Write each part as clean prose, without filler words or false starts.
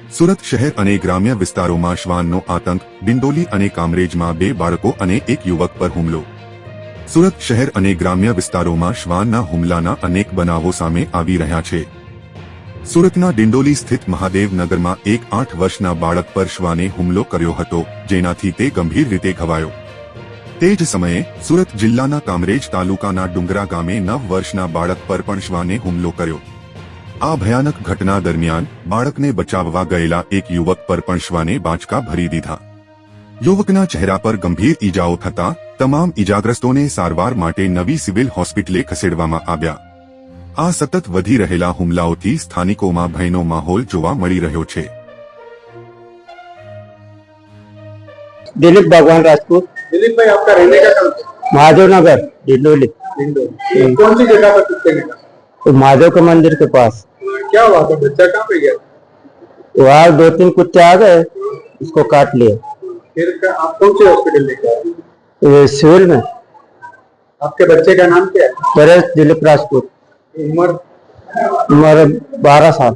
સુરત શહેર અને ગ્રામ્ય વિસ્તારોમાં શ્વાનનો આતંક, ડિંડોલી અને કામરેજમાં 2 બાળકો અને એક યુવક પર હુમલો। સુરત શહેર અને ગ્રામ્ય વિસ્તારોમાં શ્વાનના હુમલાના અનેક બનાવો સામે આવી રહ્યા છે। સુરતના ડિંડોલી સ્થિત મહાદેવનગરમાં એક 8 વર્ષના બાળક પર શ્વાને હુમલો કર્યો હતો, જેનાથી તે ગંભીર રીતે ઘવાયો। તે જ સમયે સુરત જિલ્લાના કામરેજ તાલુકાના ડુંગરા ગામે 9 વર્ષના બાળક પર પણ શ્વાને હુમલો કર્યો। આ ભયાનક ઘટના દરમિયાન બાળકને બચાવવા ગયેલા એક યુવક પર પણ શ્વાને બાચકા ભરી દીધા। યુવકના ચહેરા પર ગંભીર ઈજાઓ થતા તમામ ઈજાગ્રસ્તોને સારવાર માટે નવી સિવિલ હોસ્પિટલે ખસેડવામાં આવ્યા। આ સતત વધી રહેલા હુમલાઓથી સ્થાનિકોમાં ભયનો માહોલ જોવા મળી રહ્યો છે। दिलीप भगवान राजपूत। दिलीप भाई, आपका रहने का कहाँ है? महादेव नगर डिंडोली। कौन सी जगह पर कुत्ते ने काटा? तो महादेव के मंदिर के पास। क्या हुआ था? बच्चा कहाँ पे गया? वहाँ 2-3 कुत्ते आ गए, उसको काट लिए। फिर आप कौन से हॉस्पिटल लेके आए? ये सिविल में। आपके बच्चे का नाम क्या है? परेश दिलीप राजपूत। उम्र उम्र 12 साल।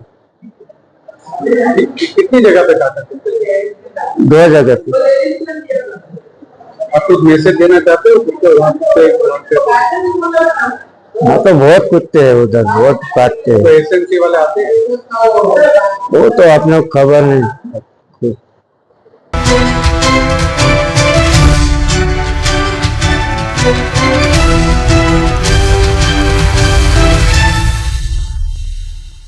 कितनी जगह पे काटा कुत्ते? 2 जगह पे। आप कुछ मैसेज देना चाहते हो? कुत्ते वहाँ हाँ, तो बहुत कुत्ते हैं उधर, बहुत काटते हैं। तो एसएमसी वाले आते हैं? वो तो आपने खबर नहीं।